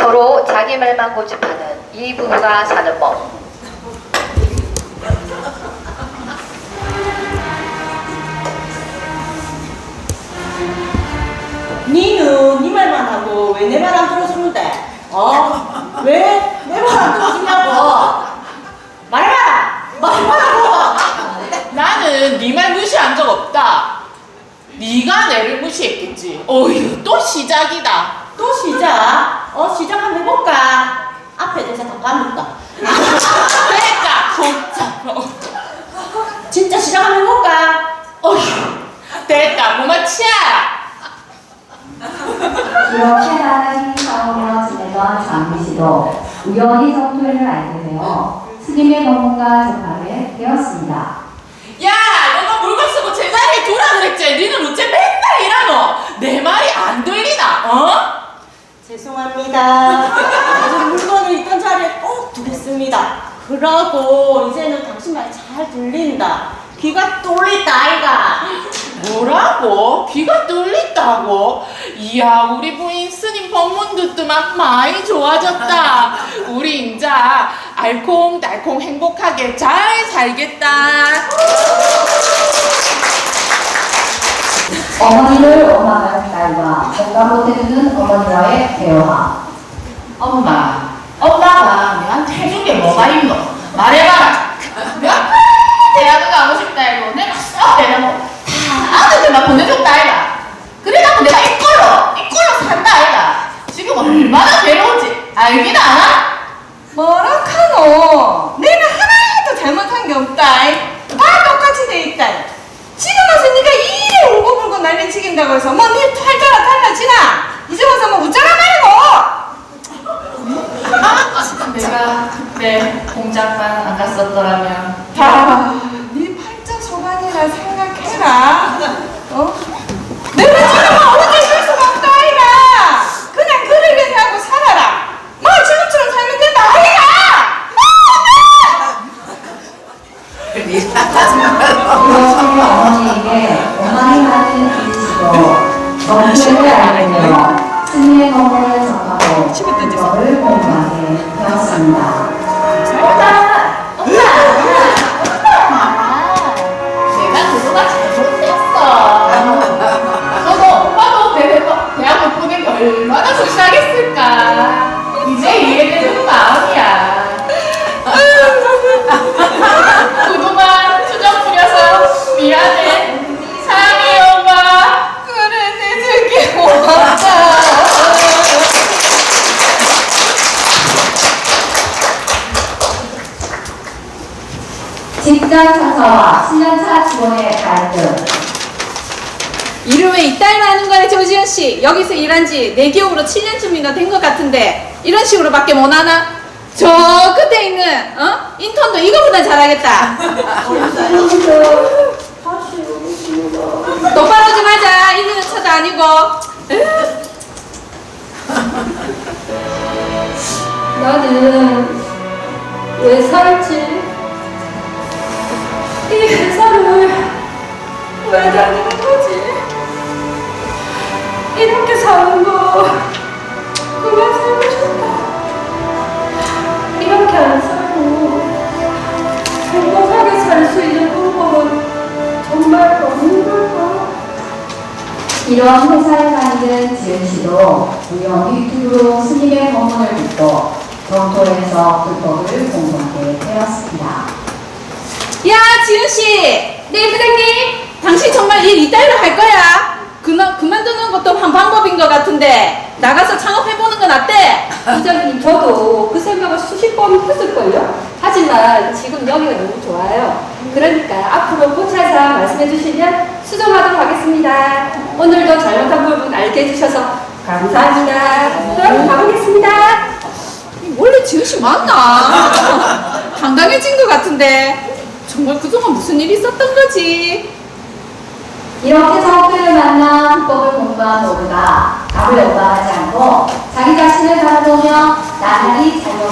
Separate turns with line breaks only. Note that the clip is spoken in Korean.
서로 자기 말만 고집하는 이 부부가 사는 법.
니는 니 말만 하고 왜 내 말 안 들어주는데? 왜 내 말 안 들어주냐고? 말해봐라!
나는 네 말 무시한 적 없다. 네가 내를 무시했겠지. 어휴, 또 시작이다.
또 시작? 시작 한번 해볼까? 앞에 대사 다 까먹다.
그러니까 진짜.
진짜 시작 한번 해볼까?
어휴, 됐다. 그만 치아.
이렇게 나란히 싸우며 지내던 장미 씨도 우연히 성토를 알게 되어 스님의 법문과 접하게 되었습니다.
야, 내가 물건 쓰고 제자리에 두라 그랬지. 니는 어째 맨날 이러노? 내 말이 안 들리나?
죄송합니다. 요즘 물건을 있던 자리에 꼭 두겠습니다. 그러고 이제는 당신 말 잘 들린다. 귀가 뚫린다 아이가.
뭐라고? 귀가 뚫린다고? 이야, 우리 부인 스님 법문 듣더만 많이 좋아졌다. 우리 인자 알콩달콩 행복하게 잘 살겠다.
어머니를 원망하는 딸과 공감 못해주는 어머니와의 대화.
엄마가 내한테 해준 게 뭐가 있노? 말해봐라. 내가 대학을 가고 싶다 이거 내가 썩 대놓고 다 아들들만 보내줬다 아이가. 그래갖고 내가 이꼴로 산다 아이가. 지금 얼마나 괴로운지 알긴 않아?
뭐라카노? 내가 하나도 잘못한 게 없다. 다 똑같이 돼 있다. 지금 와서 네가 이래 울고불고 난리치긴다고 해서 뭐네 팔자가 달라지나? 이제 와서 뭐 웃자라 말고.
내가 그때 공작만 안 갔었더라면
네 팔자 소관이라 생각해라. 내가 지금 어디 있을 수가 없다 아이가. 그냥 그러게 하고 살아라. 뭐 지금처럼 살면 된다 아이가.
그렇게 어머니에게 원망하는 이씨도 정체를 알게 되어 스님의 법문을 접하고 법을 공부하게 되었습니다.
내가 그거가 잘못했어. 너도 엄마도 대학을 보낸 게 얼마나 속상했을까. 이제 이해되는 마음이야. 그동안 투정 부려서 미안해. 사랑해 엄마.
그래 내 새끼 고맙다.
직장 상사와 7년차 직원의 갈등.
일을 왜 이따위로 하는 거야, 조지현 씨? 여기서 일한 지 내 기억으로 7년쯤이나 된 것 같은데 이런 식으로밖에 못 하나? 저 끝에 있는 인턴도 이거보다 잘하겠다. 똑바로 좀 하자. 1, 2년 차도 아니고.
나는 왜 살지? 이 회사를 왜 다니는 거지? 이렇게 사는 거 그만 살고 싶다. 이렇게 안 살고 행복하게 살 수 있는 방법은 정말 없는 걸까?
이런 회사에 다니는 지은 씨도 우연히 유튜브로 스님의 법문을 듣고 정토에서 불법을 공부하게 되었습니다.
야, 지은 씨. 네, 부장님. 당신 정말 일 이따위로 할 거야? 그만두는 것도 한 방법인 것 같은데 나가서 창업해보는 건 어때?
부장님, 저도 그 생각을 수십 번 했을걸요? 하지만 지금 여기가 너무 좋아요. 그러니까 앞으로 포차사 말씀해 주시면 수정하도록 하겠습니다. 오늘도 잘못한 부분 알게 해주셔서 감사합니다. 그럼 가보겠습니다.
원래 지은 씨 맞나? 당당해진 것 같은데 정말 그동안 무슨 일이 있었던 거지?
이렇게 성도를 만나 불법을 공부한 모두가 답을 요구하지 않고 자기 자신을 바라보며 나날이 잘